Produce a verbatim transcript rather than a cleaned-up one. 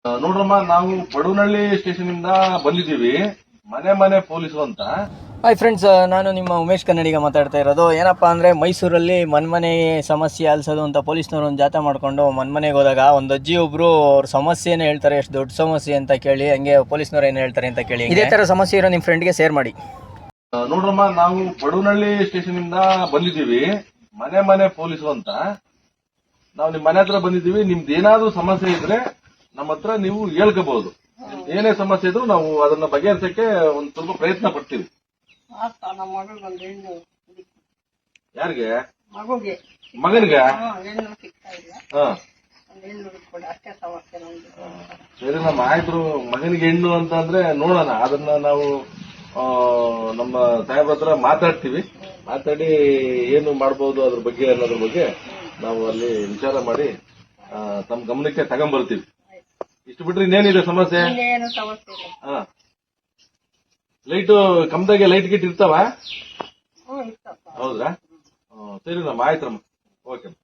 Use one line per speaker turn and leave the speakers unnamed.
ನೋಡ್ರಮ್ಮ, ನಾವು ಪಡುನಳ್ಳಿ ಸ್ಟೇಷನ್ ಇಂದ ಬಂದಿದ್ದೀವಿ. ಮನೆ ಮನೆ ಪೊಲೀಸು ಅಂತ.
ಹಾಯ್ ಫ್ರೆಂಡ್ಸ್, ನಾನು ನಿಮ್ಮ ಉಮೇಶ್ ಕನ್ನಡಿಗ ಮಾತಾಡ್ತಾ ಇರೋದು. ಏನಪ್ಪ ಅಂದರೆ, ಮೈಸೂರಲ್ಲಿ ಮನ್ಮನೆ ಸಮಸ್ಯೆ ಆಲಿಸೋದು ಅಂತ ಪೊಲೀಸ್ನವರು ಒಂದು ಜಾಥಾ ಮಾಡಿಕೊಂಡು ಮನ್ಮನೆಗೆ ಹೋದಾಗ ಒಂದು ಅಜ್ಜಿ ಒಬ್ಬರು ಅವ್ರ ಸಮಸ್ಯೆನೇ ಹೇಳ್ತಾರೆ, ಎಷ್ಟು ದೊಡ್ಡ ಸಮಸ್ಯೆ ಅಂತ ಕೇಳಿ. ಹಂಗೆ ಪೊಲೀಸ್ನವ್ರು ಏನು ಹೇಳ್ತಾರೆ ಅಂತ ಕೇಳಿ. ಇದೇ ಥರ ಸಮಸ್ಯೆ ಇರೋ ನಿಮ್ಮ ಫ್ರೆಂಡ್ಗೆ ಶೇರ್ ಮಾಡಿ.
ನೋಡ್ರಮ್ಮ, ನಾವು ಪಡುನಳ್ಳಿ ಸ್ಟೇಷನ್ ಇಂದ ಬಂದಿದ್ದೀವಿ. ಮನೆ ಮನೆ ಪೊಲೀಸು ಅಂತ. ನಾವು ನಿಮ್ ಮನೆ ಹತ್ರ ಬಂದಿದ್ದೀವಿ. ನಿಮ್ದು ಏನಾದ್ರೂ ಸಮಸ್ಯೆ ಇದ್ರೆ ನಮ್ಮ ಹತ್ರ ನೀವು ಹೇಳ್ಕೋಬಹುದು. ಏನೇ ಸಮಸ್ಯೆ ಇದ್ರು ನಾವು ಅದನ್ನ ಬಗೆಹರಿಸಕ್ಕೆ ಒಂದ್ ಸ್ವಲ್ಪ ಪ್ರಯತ್ನ ಪಡ್ತೀವಿ. ಯಾರಿಗೆ? ಮಗನಿಗೆ? ಹಾ, ಸರಿ ನಮ್ಮ ಆಯ್ತು. ಮಗನಿಗೆ ಹೆಣ್ಣು ಅಂತ ಅಂದ್ರೆ ನೋಡೋಣ, ಅದನ್ನ ನಾವು ನಮ್ಮ ಸಾಹೇಬ್ರ ಹತ್ರ ಮಾತಾಡ್ತೀವಿ. ಮಾತಾಡಿ ಏನು ಮಾಡ್ಬೋದು ಅದ್ರ ಬಗ್ಗೆ ಅನ್ನೋದ್ರ ಬಗ್ಗೆ ನಾವು ಅಲ್ಲಿ ವಿಚಾರ ಮಾಡಿ ತಮ್ಮ ಗಮನಕ್ಕೆ ತಗೊಂಡ್ಬರ್ತೀವಿ. ಇಷ್ಟು ಬಿಟ್ರೆ ಇನ್ನೇನಿದೆ ಸಮಸ್ಯೆ? ಹಾ, ಲೈಟು ಕಮ್ದಾಗೆ ಲೈಟ್ ಗಿಟ್ ಇರ್ತಾವ? ಹೌದ್ರಾ? ಸರಿ ನಮ್ಮ ಆಯ್ತಮ್ಮ. ಓಕೆ.